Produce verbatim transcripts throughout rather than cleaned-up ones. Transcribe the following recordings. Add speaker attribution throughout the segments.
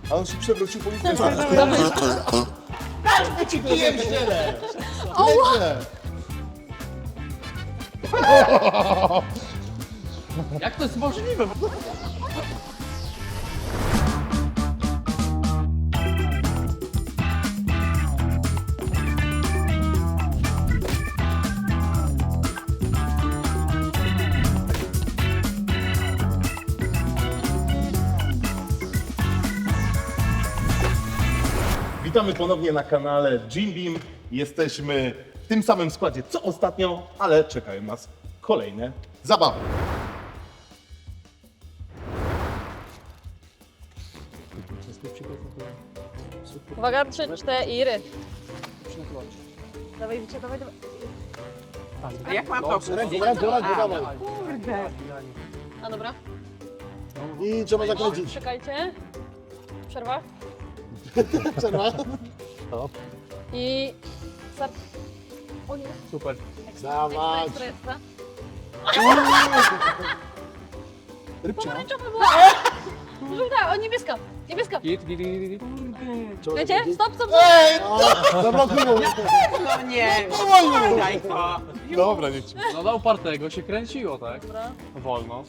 Speaker 1: A on się przewrócił po ulicy.
Speaker 2: Każdy ci kijem w ziele!
Speaker 3: Jak to jest możliwe?
Speaker 1: Witamy ponownie na kanale Jim Beam. Jesteśmy w tym samym składzie co ostatnio, ale czekają nas kolejne zabawy.
Speaker 4: Uwaga, trzy, cztery. Dawaj, Wicia, dawaj, dawaj.
Speaker 5: A jak mam to?
Speaker 2: Ręką, ręką, ręką, dawaj.
Speaker 5: Kurde.
Speaker 4: A dobra.
Speaker 2: I trzeba zakręcić.
Speaker 4: Czekajcie. Przerwa.
Speaker 2: Przerwa.
Speaker 4: I... Start. O nie.
Speaker 3: Super.
Speaker 4: Ekstra,
Speaker 2: Dawać.
Speaker 4: ekstra, ekstra.
Speaker 2: Rybcia.
Speaker 4: Pomarańczowa była. Żółta, o niebieska. Niebieska.
Speaker 3: Git, git, git, git.
Speaker 4: Czekajcie, stop, stop, stop.
Speaker 2: Ej! Zablokują.
Speaker 5: No nie, daj to.
Speaker 1: Dobra, niech ci.
Speaker 3: No dla upartego się kręciło, tak?
Speaker 4: Dobra.
Speaker 3: Wolno.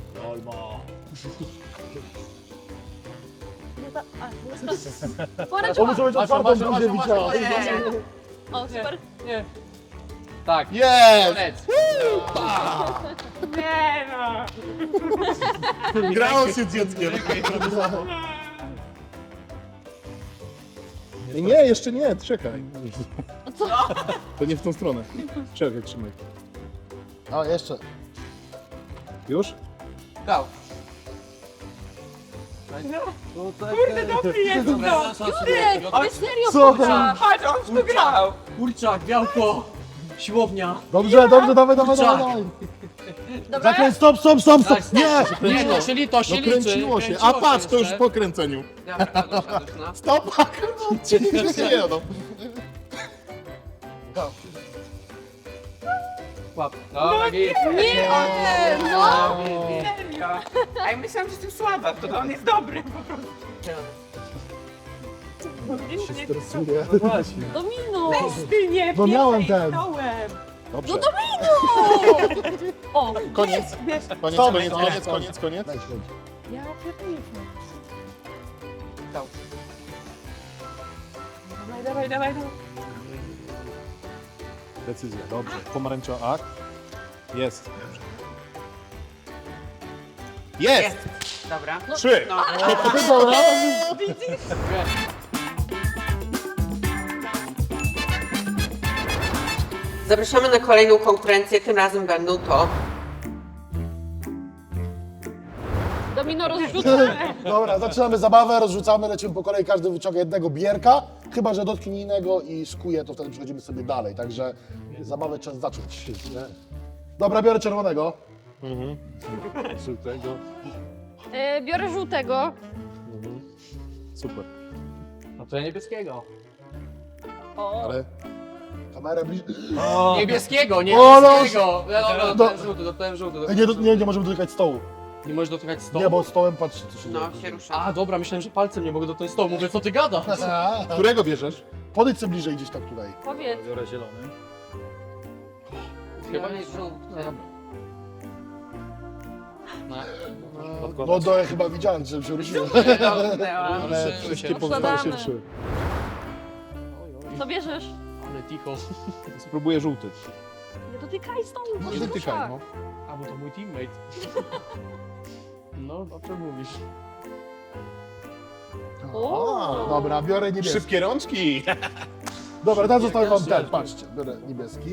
Speaker 4: Nie ta... A, niebieska.
Speaker 2: To
Speaker 4: Pomarańczowa.
Speaker 2: muszę być
Speaker 3: Masz,
Speaker 2: otwartą,
Speaker 3: masz,
Speaker 2: będzie
Speaker 3: masz,
Speaker 2: widziała.
Speaker 3: masz,
Speaker 4: O, super.
Speaker 3: Nie. Tak.
Speaker 1: Jest!
Speaker 3: Koniec.
Speaker 5: Nie no.
Speaker 1: Grało się z dzieckiem. Nie, jeszcze nie, czekaj.
Speaker 4: Co?
Speaker 1: To nie w tą stronę. Czekaj, trzymaj.
Speaker 2: O, jeszcze.
Speaker 1: Już?
Speaker 5: Go. Kurde, dobry jest to.
Speaker 4: Jurek, ty serio
Speaker 2: Co?
Speaker 4: kurwa?
Speaker 5: Chodź, on tu grał.
Speaker 3: Kurczak, białko. Siłownia.
Speaker 2: Dobrze, dobrze, dawaj, dawaj,
Speaker 3: Kurczak.
Speaker 2: dawaj.
Speaker 4: Dobra?
Speaker 2: Zakręć, stop, stop, stop, stop.
Speaker 3: Tak,
Speaker 2: Nie!
Speaker 3: Nie, to się, li, to się
Speaker 1: No
Speaker 3: liczy.
Speaker 1: kręciło się. A patrz, to już po kręceniu.
Speaker 5: Dobra, to doszedłeś, no.
Speaker 1: Stop! Nie, no.
Speaker 5: Go.
Speaker 3: Łap. Dobra, git.
Speaker 4: Nie, o nie, no.
Speaker 5: Serio. A ja myślałam, że jestem słaba, to on jest dobry po prostu.
Speaker 2: Stresuję.
Speaker 3: Właśnie.
Speaker 4: Domino.
Speaker 5: Ty nie,
Speaker 2: Bo miałem ten.
Speaker 5: Pierdolnąłem.
Speaker 1: Dobrze.
Speaker 4: No domino. O,
Speaker 1: Koniec. Koniec,
Speaker 2: Stop.
Speaker 1: koniec, koniec, koniec, koniec.
Speaker 2: Daj śledź.
Speaker 4: ja pierdolę.
Speaker 5: Go. Dawaj, dawaj, dawaj, dawaj.
Speaker 1: Decyzja, dobrze. Pomarańczowa, ak. Jest. Jest!
Speaker 5: Jest. Dobra.
Speaker 1: Trzy!
Speaker 5: No.
Speaker 2: Dobra.
Speaker 5: Zapraszamy na kolejną konkurencję, tym razem będą to
Speaker 4: Domino rozrzuca.
Speaker 2: Dobra, zaczynamy zabawę, rozrzucamy, lecimy po kolei, każdy wyciąga jednego bierka, chyba że dotknie innego i skuje, to wtedy przechodzimy sobie dalej, także zabawę trzeba zacząć. Nie? Dobra, biorę czerwonego.
Speaker 1: Żółtego.
Speaker 4: E, biorę żółtego.
Speaker 1: Super.
Speaker 3: No to ja niebieskiego.
Speaker 4: O,
Speaker 1: Ale
Speaker 2: Kamerę bliżej.
Speaker 3: Niebieskiego,
Speaker 2: O,
Speaker 3: niebieskiego. No, dobra,
Speaker 2: No.
Speaker 3: dostałem żółty, dostałem żółty.
Speaker 2: Ej, Nie, nie, nie możemy dotykać stołu.
Speaker 3: Nie możesz dotykać stołu?
Speaker 2: Nie, bo stołem patrzcie, co się
Speaker 5: no,
Speaker 2: dzieje.
Speaker 5: się rusza.
Speaker 3: A, dobra, myślałem, że palcem nie mogę dotknąć stołu. Mówię, co ty gadasz?
Speaker 1: którego bierzesz?
Speaker 2: Podejdź sobie bliżej gdzieś tak tutaj.
Speaker 4: powiedz.
Speaker 3: Biorę zielony.
Speaker 5: Chyba
Speaker 3: Chyba
Speaker 5: nie
Speaker 3: nie
Speaker 5: żółty.
Speaker 3: No.
Speaker 2: No to ja chyba widziałem, że się ruszyło.
Speaker 5: Dotknęłam.
Speaker 2: Ale
Speaker 3: Ruszyły
Speaker 2: wszystkie
Speaker 3: się.
Speaker 2: pozostałe się
Speaker 4: Odkładamy.
Speaker 2: ruszyły.
Speaker 4: Co bierzesz?
Speaker 3: Ale ticho.
Speaker 1: Spróbuję żółty.
Speaker 4: Nie dotykaj stołu, bo
Speaker 1: Nie
Speaker 4: się
Speaker 1: dotykaj,
Speaker 4: rusza.
Speaker 1: no.
Speaker 3: A, bo to mój teammate. No, o czym mówisz?
Speaker 4: O.
Speaker 2: A, dobra, biorę niebieski.
Speaker 1: Szybkie rączki!
Speaker 2: Dobra, teraz zostawiam wam
Speaker 3: Pierwszy
Speaker 2: ten,
Speaker 3: raz.
Speaker 2: patrzcie, biorę niebieski.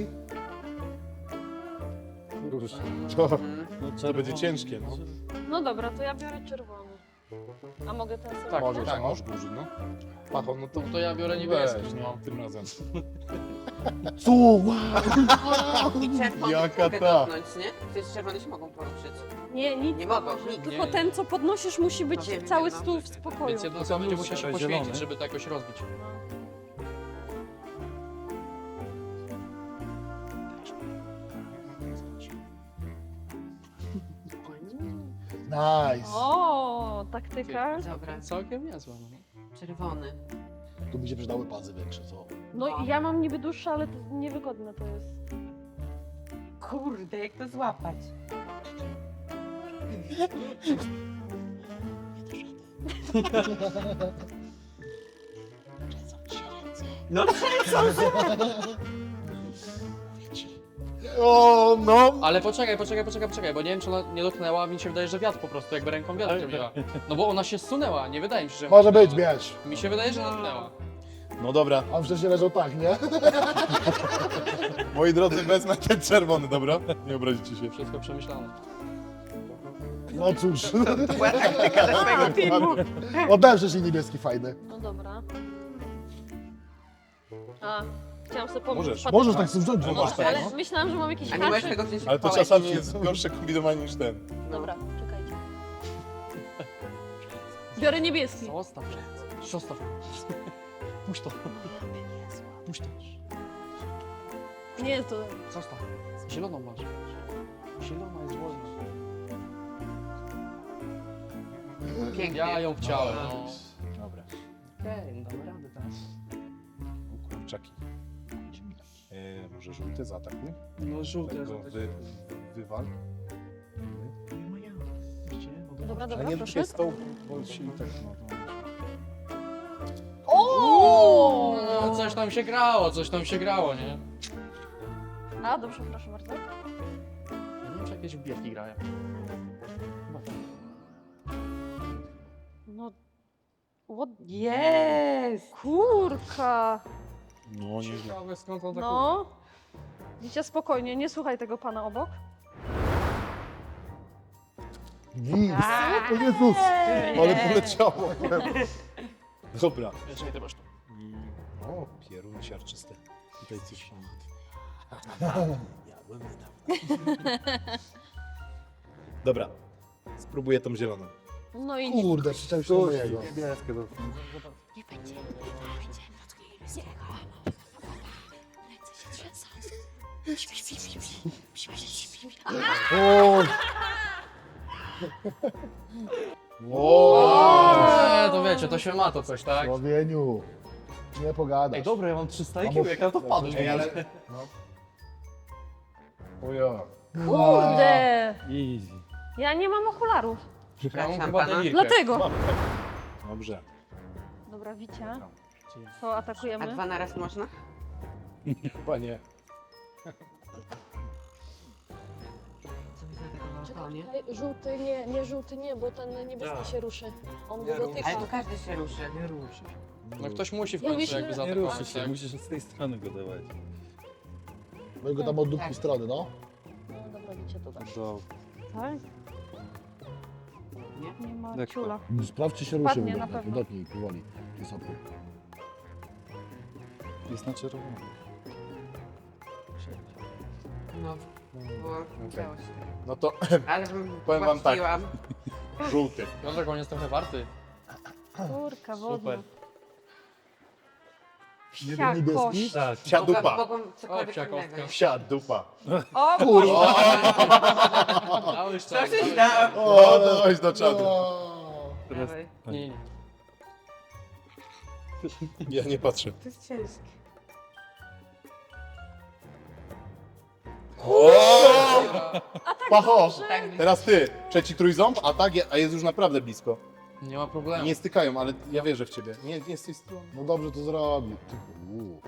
Speaker 1: To, to będzie ciężkie, no.
Speaker 4: No dobra, to ja biorę czerwony. A mogę ten sobie?
Speaker 3: Tak,
Speaker 1: Możesz,
Speaker 3: tak.
Speaker 1: możesz duży, no. Pacho, no to
Speaker 3: To ja biorę niebieski,
Speaker 1: weź,
Speaker 3: no.
Speaker 1: no, tym razem.
Speaker 2: Co? Wow.
Speaker 5: I czerwony
Speaker 1: Jaka
Speaker 5: mogę
Speaker 1: ta?
Speaker 5: dotknąć, nie? Przecież czerwone się mogą poruszyć.
Speaker 4: Nie, nic.
Speaker 5: Nie mogą, nikt.
Speaker 4: Tylko
Speaker 3: Nie.
Speaker 4: ten, co podnosisz, musi być
Speaker 5: No wiem,
Speaker 4: cały
Speaker 5: wiem, no.
Speaker 4: stół w spokoju.
Speaker 3: Więc jedno co będzie musiał się poświęcić, żeby to jakoś rozbić.
Speaker 2: Nice.
Speaker 4: O, taktyka.
Speaker 5: Dobra,
Speaker 3: Całkiem niezła. No.
Speaker 5: czerwony.
Speaker 2: Tu by się przydały pazy większe, co?
Speaker 4: No
Speaker 5: No.
Speaker 4: ja mam niby dłuższe, ale to niewygodne to jest.
Speaker 5: Kurde, jak to złapać? No
Speaker 2: O, no.
Speaker 3: Ale poczekaj, poczekaj, poczekaj, poczekaj, bo nie wiem, czy ona nie dotknęła, a mi się wydaje, że wiatr po prostu, jakby ręką wiatr zrobiła. No bo ona się zsunęła, nie wydaje mi się, że...
Speaker 2: Może być, wiesz.
Speaker 3: Mi się wydaje, że dotknęła.
Speaker 1: No dobra,
Speaker 2: On wcześniej leżał tak, nie?
Speaker 1: moi drodzy, wezmę ten czerwony, dobra? Nie obrazicie się.
Speaker 3: Wszystko przemyślane.
Speaker 2: No cóż.
Speaker 5: to była taktyka dla swojego teamu.
Speaker 2: Oddałem wcześniej niebieski fajny.
Speaker 4: No dobra. A, chciałam sobie pomóc.
Speaker 1: Możesz.
Speaker 2: Możesz tak sobie wziąć.
Speaker 1: No
Speaker 2: zobacz,
Speaker 1: możesz,
Speaker 2: tak,
Speaker 4: Ale
Speaker 2: no.
Speaker 4: myślałam, że mam jakiś
Speaker 5: A nie możesz
Speaker 4: haczyk.
Speaker 5: tego wziąć
Speaker 1: Ale to
Speaker 5: w
Speaker 1: czasami
Speaker 5: pałeczki?
Speaker 1: jest gorsze kombinowanie niż ten.
Speaker 4: Dobra, czekajcie. Biorę niebieski.
Speaker 3: Zostaw, zostaw. Puść to. Puść to.
Speaker 4: Nie jest to...
Speaker 3: Zostaw. Zieloną masz. Zielona jest wolna.
Speaker 5: Pięknie.
Speaker 3: Ja ją chciałem, no.
Speaker 1: Dobra.
Speaker 3: Okej, no damy radę teraz.
Speaker 1: O kurczaki. E, może żółty zaatakuj?
Speaker 3: No żółte.
Speaker 1: Tego wy, wywal.
Speaker 4: Dobra,
Speaker 1: Ale
Speaker 4: dobra,
Speaker 1: nie
Speaker 4: proszę.
Speaker 1: tutaj stał, bo się i tak no. to-
Speaker 4: O!
Speaker 3: No, coś tam się grało, coś tam się grało, nie?
Speaker 4: A, dobrze, proszę bardzo.
Speaker 3: Ja nie wiem, czy jakieś bierki grają. Chyba tak.
Speaker 4: No... What?
Speaker 5: Jest!
Speaker 4: Kurka!
Speaker 1: No nie wiem.
Speaker 3: Ciekawe, skąd on tak
Speaker 4: No. Widzicie, spokojnie, nie słuchaj tego pana obok.
Speaker 2: Gis. O Jezus.
Speaker 1: Ale poleciało. Dobra.
Speaker 3: Jeszcze ty masz to.
Speaker 1: O, pierun siarczysty. Tutaj coś mam. Jadłem niedawno. Dobra. Spróbuję tą zieloną.
Speaker 4: No i...
Speaker 2: Kurde, przyczepił się do mojego.
Speaker 1: Niebieskie do...
Speaker 2: O,
Speaker 3: Eee, to wiecie, to się ma to coś, tak?
Speaker 2: Słowieniu. Nie pogadasz.
Speaker 3: Ej, dobra, ja mam trzysta
Speaker 2: A
Speaker 3: I Q,
Speaker 2: bo-
Speaker 3: jak ja to wpadłem.
Speaker 1: Ej, ale...
Speaker 2: O ja.
Speaker 4: Kurde!
Speaker 3: Easy.
Speaker 4: Ja nie mam okularów.
Speaker 3: Ja mam
Speaker 5: Przepraszam
Speaker 3: chyba
Speaker 5: pana.
Speaker 3: delirkę.
Speaker 4: Dlatego.
Speaker 1: Dobrze.
Speaker 4: Dobra, Wicia. To
Speaker 5: A
Speaker 4: atakujemy.
Speaker 5: dwa na raz można?
Speaker 1: Chyba nie.
Speaker 5: Co wy na tego balkonie?
Speaker 4: Czekaj, żółty nie, nie żółty nie, bo ten niebieski się ruszy. On go dotyka.
Speaker 5: Ale tu każdy się ruszy.
Speaker 3: Nie ruszy. No ktoś musi w
Speaker 4: Ja
Speaker 3: końcu
Speaker 4: myślę-
Speaker 3: jakby
Speaker 4: Nie
Speaker 3: zaatakować, tak?
Speaker 6: musisz z tej strony go dawać.
Speaker 2: Weź go tam od dupki
Speaker 5: Tak.
Speaker 2: strony, no.
Speaker 4: No dobra, Wicia, to dasz.
Speaker 6: Do...
Speaker 4: Tak?
Speaker 5: Nie?
Speaker 4: Nie ma
Speaker 6: Lekko.
Speaker 4: ciula.
Speaker 2: Sprawdź, czy się ruszy.
Speaker 4: Padnie
Speaker 2: w
Speaker 4: na
Speaker 2: ogóle.
Speaker 4: pewno.
Speaker 2: Dotknij powoli. Wysoko.
Speaker 6: Jest na czerwono.
Speaker 5: No, bo chciało się.
Speaker 1: No to
Speaker 5: Ale bym
Speaker 1: Powiem wam tak.
Speaker 5: łatwiłam.
Speaker 1: żółty.
Speaker 3: Piotrek, on jest trochę warty.
Speaker 4: Kurka wodna.
Speaker 3: Super.
Speaker 4: Psia
Speaker 2: Niebieski?
Speaker 4: kość.
Speaker 6: Tak.
Speaker 1: Psia
Speaker 5: Mogłam-
Speaker 1: dupa.
Speaker 5: Mogłam
Speaker 3: O,
Speaker 5: cokolwiek
Speaker 3: psia
Speaker 5: innego.
Speaker 3: kostka.
Speaker 1: Psia dupa.
Speaker 4: O,
Speaker 2: Kurwa.
Speaker 3: Dałeś
Speaker 5: Co
Speaker 3: czas,
Speaker 5: się
Speaker 3: dałeś
Speaker 5: stało?
Speaker 1: O, dałeś do czadu.
Speaker 6: Teraz...
Speaker 5: Dawaj.
Speaker 3: czas. Nie, nie.
Speaker 1: Ja nie patrzę.
Speaker 5: To jest ciężkie.
Speaker 1: Pacho!
Speaker 5: Tak,
Speaker 1: Teraz ty. Trzeci trójząb, a tak, je- a jest już naprawdę blisko.
Speaker 3: Nie ma problemu.
Speaker 1: Nie stykają, ale ja wierzę w ciebie. Nie, nie z tej strony.
Speaker 2: No dobrze to zrobił. Ty, u.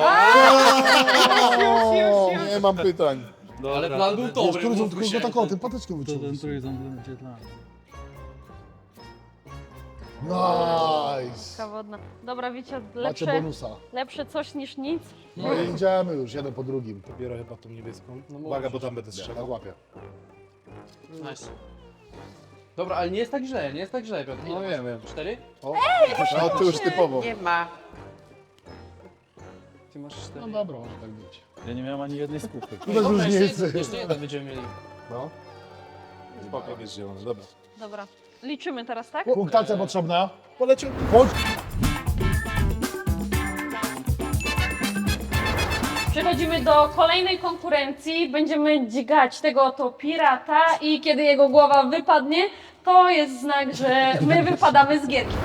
Speaker 1: Nie mam pytań.
Speaker 3: Ale plan był
Speaker 2: Wiesz,
Speaker 3: dobry,
Speaker 2: który są
Speaker 3: mówmy
Speaker 2: tylko
Speaker 3: się.
Speaker 2: taką, tym patyczką
Speaker 6: To
Speaker 2: wyciągnął.
Speaker 6: ten trójząb będzie dla mnie.
Speaker 2: Nice.
Speaker 4: wodna. Dobra, Wicia,
Speaker 2: Macie
Speaker 4: lepsze,
Speaker 2: bonusa.
Speaker 4: lepsze coś niż nic.
Speaker 2: No i idziemy już, jeden po drugim.
Speaker 1: Biorę chyba tą niebieską.
Speaker 3: No
Speaker 1: Uwaga, bo
Speaker 3: możesz.
Speaker 1: tam będę
Speaker 2: Ja
Speaker 1: strzelał.
Speaker 2: łapię.
Speaker 3: Nice. Dobra, ale nie jest tak źle, nie jest tak źle, Piotr.
Speaker 1: No wiem, wiem.
Speaker 3: Cztery?
Speaker 1: O, no to już typowo.
Speaker 5: nie ma.
Speaker 3: Ty masz cztery.
Speaker 2: No dobra, może tak być.
Speaker 6: Ja nie miałem ani jednej skupy.
Speaker 2: Tu bez
Speaker 3: Dobra, jeszcze,
Speaker 2: różnicy.
Speaker 3: jeszcze jeden będziemy mieli.
Speaker 1: No. Spoko, jest zielony, dobra.
Speaker 4: Dobra. Liczymy teraz, tak?
Speaker 2: Punktacja potrzebna.
Speaker 1: Poleciał.
Speaker 2: Chodź.
Speaker 4: Przechodzimy do kolejnej konkurencji. Będziemy dźgać tego oto pirata i kiedy jego głowa wypadnie, to jest znak, że my wypadamy z gierki.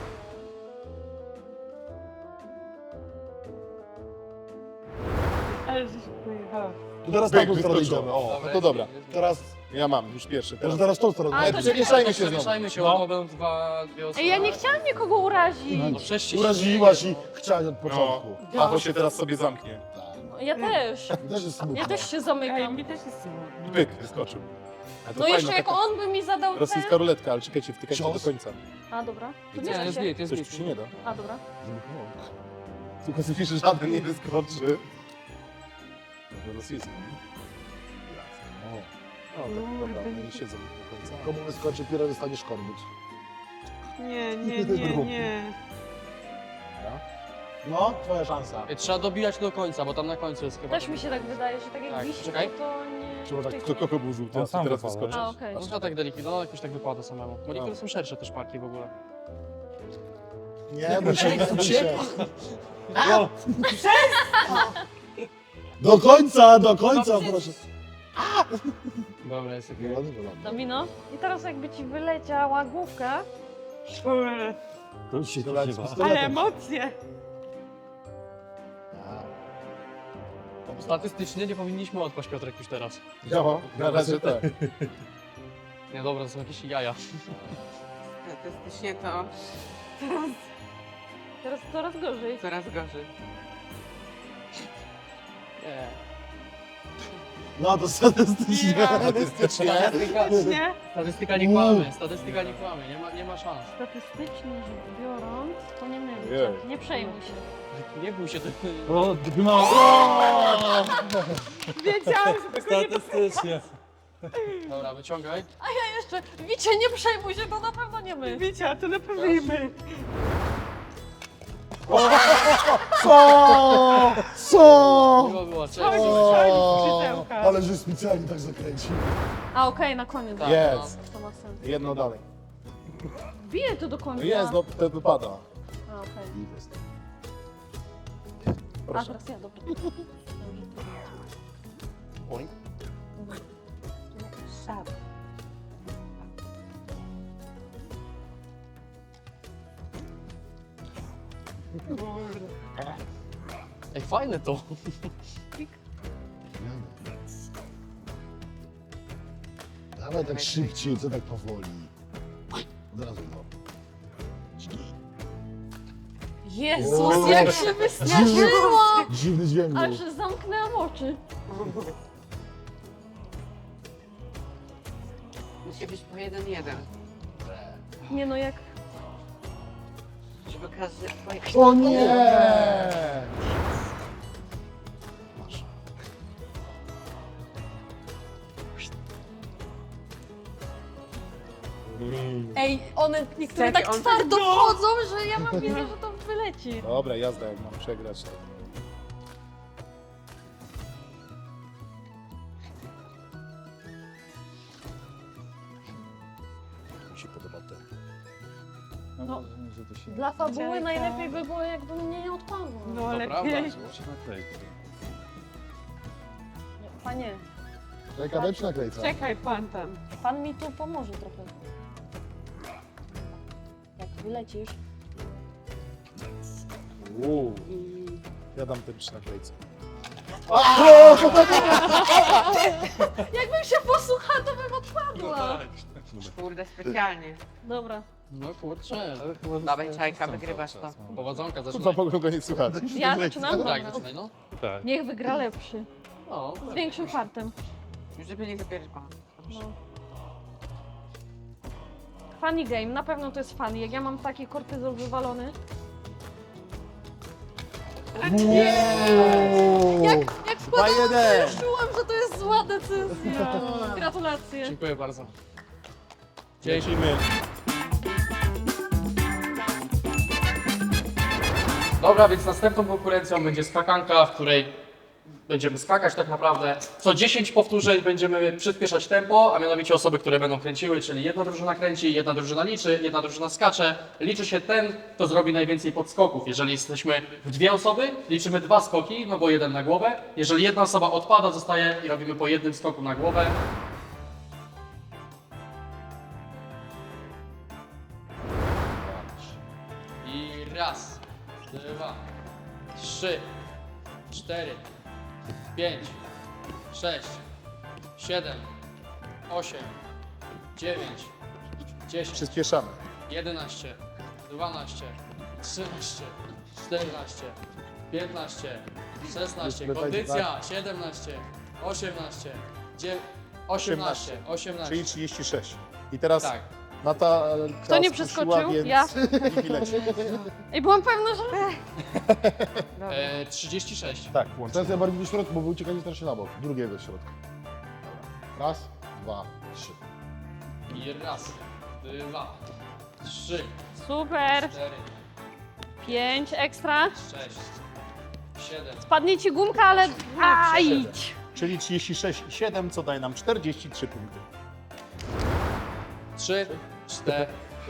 Speaker 5: Ale żeś pojechała.
Speaker 2: To teraz
Speaker 1: Byk
Speaker 2: na tą stronę
Speaker 1: wyskoczył.
Speaker 2: idziemy.
Speaker 1: O, no to dobra.
Speaker 2: Teraz,
Speaker 1: Ja mam już pierwszy.
Speaker 2: może
Speaker 1: Teraz.
Speaker 2: teraz tą stronę.
Speaker 4: A,
Speaker 1: Ale
Speaker 4: to
Speaker 1: przemieszajmy się znowu.
Speaker 3: Przemieszajmy się,
Speaker 1: No.
Speaker 3: mogą dwa, dwie osoby.
Speaker 4: Ej, ja nie chciałam nikogo urazić.
Speaker 3: No przecież się
Speaker 2: Uraziłaś i chciałaś od początku.
Speaker 1: No, a to się teraz sobie zamknie.
Speaker 4: Ja też.
Speaker 2: Też jest smutno.
Speaker 4: Ja też się
Speaker 5: Ej,
Speaker 4: zamykam.
Speaker 5: mi też jest smutno.
Speaker 1: Byk wyskoczył. A to
Speaker 4: No
Speaker 1: fajna
Speaker 4: jeszcze jak
Speaker 1: taka
Speaker 4: on by mi zadał ten...
Speaker 1: rosyjska ruletka, ale czekajcie, wtykajcie do
Speaker 2: Cios.
Speaker 1: końca.
Speaker 4: A, dobra. To
Speaker 3: Nie,
Speaker 4: nie
Speaker 3: jest
Speaker 4: się.
Speaker 3: git, jest
Speaker 1: Coś
Speaker 3: git.
Speaker 1: tu się nie da.
Speaker 4: A, dobra.
Speaker 1: Tylko sobie że żaden nie wyskoczy. Może rosyjski. O, o tak, dobra, oni siedzą do końca.
Speaker 2: Komu wyskoczy pirat, dostaniesz korbić.
Speaker 5: Nie, nie, nie, nie.
Speaker 2: No, twoja szansa.
Speaker 3: Ej, trzeba dobijać do końca, bo tam na końcu jest chyba...
Speaker 4: Też mi się tak wydaje, że tak jak
Speaker 3: Tak,
Speaker 4: wisi, to,
Speaker 3: czekaj.
Speaker 4: to nie...
Speaker 1: Trzeba tak,
Speaker 4: tyknie.
Speaker 1: kto kogo był żółty,
Speaker 6: On
Speaker 1: a
Speaker 6: sam
Speaker 1: teraz
Speaker 6: wypada,
Speaker 1: wyskoczy.
Speaker 4: A, okej.
Speaker 3: No to tak delikatnie, no jakoś tak wypada samemu. Bo niektóre są szersze też parki w ogóle.
Speaker 2: Nie, bo się, nie bój się. Do końca, do końca, proszę.
Speaker 3: Dobra, jest okej.
Speaker 2: Wylony, wylony.
Speaker 4: Domino. I teraz jakby ci wyleciała główka,
Speaker 5: Ule.
Speaker 6: To już się
Speaker 2: Dobra,
Speaker 6: spodziewa.
Speaker 2: z pistoletem.
Speaker 5: Ale emocje.
Speaker 3: Statystycznie nie powinniśmy odpaść Piotrek już teraz.
Speaker 1: No, na razie tak.
Speaker 3: Nie, dobra, to są jakieś jaja.
Speaker 5: Statystycznie to
Speaker 4: teraz coraz gorzej.
Speaker 5: coraz gorzej.
Speaker 3: Nie.
Speaker 2: No to statystycznie.
Speaker 1: Statystycznie.
Speaker 3: Statystyka,
Speaker 5: Nie?
Speaker 3: statystyka nie kłamie, statystyka nie kłamie, nie ma, nie ma szans.
Speaker 4: Statystycznie rzecz biorąc, to nie myli.
Speaker 1: Ojej.
Speaker 4: Nie przejmuj się.
Speaker 3: Nie bój się, ty...
Speaker 6: O, no!
Speaker 5: Wiedziałam, że tego nie
Speaker 6: Statystycznie.
Speaker 3: Dobra, wyciągaj.
Speaker 4: A ja jeszcze, Wicie, nie przejmuj się, to na pewno nie my.
Speaker 5: wiedziała, to na pewno nie my.
Speaker 2: Co? Co?
Speaker 3: Miło było, cześć.
Speaker 5: Chodź,
Speaker 2: O,
Speaker 5: chodź, skrzydełka.
Speaker 2: ale że specjalnie tak zakręcił.
Speaker 4: A, okej, na koniec.
Speaker 3: Tak,
Speaker 1: Jest.
Speaker 4: To ma sens.
Speaker 1: Jedno dalej.
Speaker 4: Biję to do końca.
Speaker 1: No jest, no wtedy wypada.
Speaker 4: A, okej. A,
Speaker 1: Proszę.
Speaker 4: teraz ja, dobra.
Speaker 1: Boing.
Speaker 5: Szab.
Speaker 3: Ej, fajne to.
Speaker 2: Dawaj tak szybciej, co tak powoli. Od razu no.
Speaker 4: Jezus, jak się wystraszyłam!
Speaker 2: Dziwny dźwięk był.
Speaker 4: Aż zamknęłam oczy.
Speaker 5: Musi być po jeden jeden.
Speaker 4: Nie no, jak...
Speaker 5: Żeby każdy twoje...
Speaker 2: O nie!
Speaker 4: Ej, one niektóre
Speaker 5: Serio,
Speaker 4: tak
Speaker 5: on
Speaker 4: twardo
Speaker 5: tak- no.
Speaker 4: wchodzą, że ja mam wizję, że to wyleci.
Speaker 1: Dobra, jazda, jak mam przegrać. To. Mi się podoba ten.
Speaker 4: No.
Speaker 6: Że to się
Speaker 4: Dla fabuły
Speaker 5: Czekaj.
Speaker 4: najlepiej by było, jakby mnie nie odpadło.
Speaker 5: No
Speaker 3: To
Speaker 5: lepiej.
Speaker 3: prawda.
Speaker 6: się naklei.
Speaker 4: Panie,
Speaker 2: Czekaj, daj przy naklejce.
Speaker 5: Czekaj pan tam.
Speaker 4: pan mi tu pomoże trochę. Jak wylecisz.
Speaker 1: Uuu. Ja dam ten przy naklejce.
Speaker 4: Jakbym się posłuchała, to bym odpadła.
Speaker 5: Kurde, specjalnie.
Speaker 4: Dobra.
Speaker 3: No kurczę.
Speaker 5: Dawaj, czajka, wygrywasz to.
Speaker 3: Powodzonka,
Speaker 1: Kurwa,
Speaker 3: zaczynaj.
Speaker 1: mogą go nie słuchać.
Speaker 4: Ja zaczynam?
Speaker 3: Tak,
Speaker 4: Dobra.
Speaker 3: zaczynaj, no.
Speaker 6: Tak.
Speaker 4: Niech wygra lepszy.
Speaker 3: No,
Speaker 4: Z większym fartem.
Speaker 5: Żeby nie zabierać. O,
Speaker 4: No. Funny game, na pewno to jest funny. Jak ja mam taki kortyzol wywalony. Jak, jak wkładałam, to
Speaker 1: jeden.
Speaker 4: już czułam, że to jest zła decyzja. Gratulacje.
Speaker 3: dziękuję bardzo.
Speaker 1: Lecimy.
Speaker 3: Dobra, więc następną konkurencją będzie skakanka, w której będziemy skakać tak naprawdę. Co dziesięć powtórzeń będziemy przyspieszać tempo, a mianowicie osoby, które będą kręciły, czyli jedna drużyna kręci, jedna drużyna liczy, jedna drużyna skacze. Liczy się ten, kto zrobi najwięcej podskoków. Jeżeli jesteśmy w dwie osoby, liczymy dwa skoki, no bo jeden na głowę. Jeżeli jedna osoba odpada, zostaje i robimy po jednym skoku na głowę. I raz, dwa, trzy, cztery, pięć, sześć, siedem, osiem, dziewięć, dziesięć,
Speaker 1: Przyspieszamy.
Speaker 3: jedenaście, dwanaście, trzynaście, czternaście, piętnaście, szesnaście,
Speaker 1: Musimy
Speaker 3: kondycja, siedemnaście, osiemnaście, dziewiętnaście, osiemnaście,
Speaker 1: Czyli
Speaker 3: osiemnaście.
Speaker 1: trzydzieści sześć. I teraz
Speaker 3: Tak.
Speaker 1: Nata
Speaker 4: Kto nie przeskoczył?
Speaker 1: Więc
Speaker 4: Ja.
Speaker 1: Niki leci.
Speaker 4: I byłam pewna, że...
Speaker 3: E, trzydzieści sześć.
Speaker 1: Tak,
Speaker 2: Teraz
Speaker 1: łącznie.
Speaker 2: ja bardziej do środka, bo wy uciekali strasznie na bok. Drugiego środka. Dobra. Raz, dwa, trzy.
Speaker 3: I raz, dwa, trzy,
Speaker 4: Super.
Speaker 3: cztery,
Speaker 4: Pięć ekstra.
Speaker 3: sześć, siedem,
Speaker 4: Padnie ci gumka, ale... A, idź.
Speaker 1: Czyli trzydzieści sześć i siedem, co daje nam czterdzieści trzy punkty.
Speaker 3: trzy, cztery.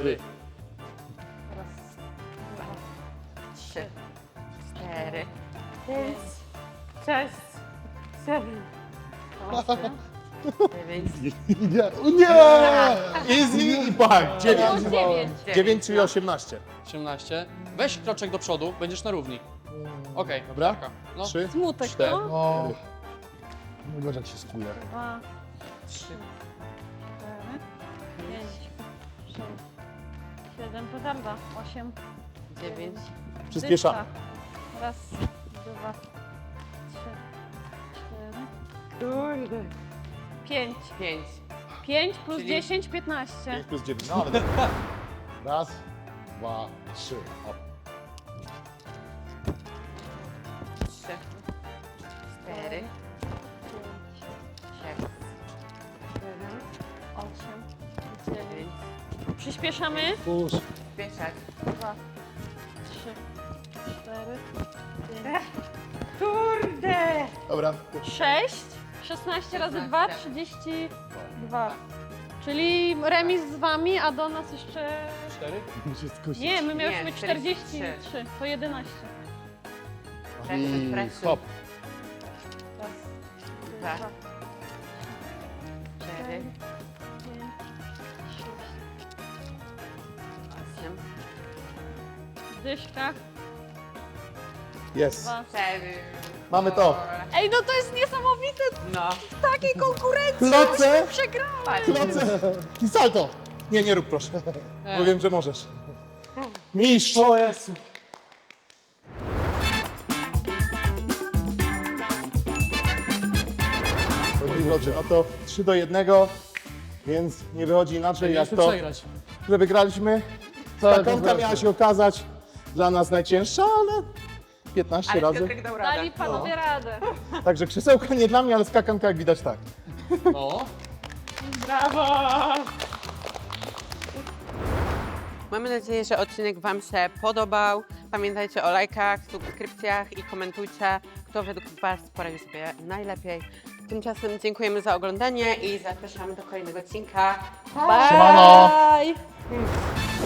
Speaker 5: Trzy, cztery,
Speaker 4: Pięć, sześć, siedem,
Speaker 5: dziewięć,
Speaker 2: Nie! O nie!
Speaker 1: Easy i bang! dziewięć.
Speaker 4: dziewięć.
Speaker 1: dziewięć, czyli osiemnaście.
Speaker 3: osiemnaście. Weź kroczek do przodu, będziesz na równi. Okej,
Speaker 1: Dobra?
Speaker 3: No.
Speaker 1: trzy,
Speaker 4: Smutek,
Speaker 1: cztery.
Speaker 4: no.
Speaker 2: O. No zobacz jak się skuje.
Speaker 4: Dwa, trzy, cztery, pięć, sześć, siedem, petarda, osiem,
Speaker 5: dziewięć,
Speaker 1: Przyspieszamy.
Speaker 4: dyszka. Raz, dwa, trzy, cztery,
Speaker 5: kurde,
Speaker 4: pięć.
Speaker 5: pięć,
Speaker 4: Pięć plus
Speaker 5: Czyli-
Speaker 4: dziesięć, piętnaście.
Speaker 1: pięć plus dziewięć. No ale
Speaker 2: Raz, dwa, trzy. O.
Speaker 5: trzy, cztery,
Speaker 4: pięć,
Speaker 5: sześć,
Speaker 4: siedem, osiem, dziewięć.
Speaker 5: dziewięć,
Speaker 4: Przyspieszamy.
Speaker 2: Pusz.
Speaker 5: spieszać.
Speaker 4: Dwa, trzy, cztery, pięć,
Speaker 5: Kurde!
Speaker 1: dobra.
Speaker 4: sześć, szesnaście razy dwa,
Speaker 5: szesnaście.
Speaker 4: trzydzieści dwa. Czyli remis z wami, a do nas jeszcze...
Speaker 3: cztery.
Speaker 2: Muszę skusić.
Speaker 4: Nie, my mieliśmy
Speaker 5: Nie,
Speaker 4: czterdzieści trzy, to jedenaście.
Speaker 5: Presy,
Speaker 2: I
Speaker 5: presy.
Speaker 2: hop.
Speaker 4: Raz,
Speaker 5: Dwa,
Speaker 4: dwa,
Speaker 5: cztery,
Speaker 4: pięć, sześć.
Speaker 5: osiem,
Speaker 4: Dyszka.
Speaker 1: Jest.
Speaker 4: Dwa.
Speaker 5: cztery.
Speaker 1: Mamy to.
Speaker 4: Ej, no to jest niesamowite
Speaker 5: No.
Speaker 4: w takiej konkurencji.
Speaker 1: Kloce!
Speaker 4: Przegrałam.
Speaker 1: Kloce! I salto! Nie, nie rób proszę. Bo wiem, że możesz. Mistrz! O Jezu. Moi drodzy, no to trzy do jednego, więc nie wychodzi inaczej jak
Speaker 3: Mieliśmy
Speaker 1: to,
Speaker 3: przegrać.
Speaker 1: że wygraliśmy. Skakanka miała się okazać dla nas najcięższa, ale piętnaście
Speaker 5: Ale
Speaker 1: razy.
Speaker 5: Piotrek dał radę.
Speaker 4: Dali panowie radę.
Speaker 1: Także krzesełka nie dla mnie, ale skakanka jak widać tak.
Speaker 3: No.
Speaker 5: Mamy nadzieję, że odcinek Wam się podobał. Pamiętajcie o lajkach, subskrypcjach i komentujcie, kto według Was poradził sobie najlepiej. Tymczasem dziękujemy za oglądanie i zapraszamy do kolejnego odcinka.
Speaker 2: Siemano.
Speaker 4: Bye.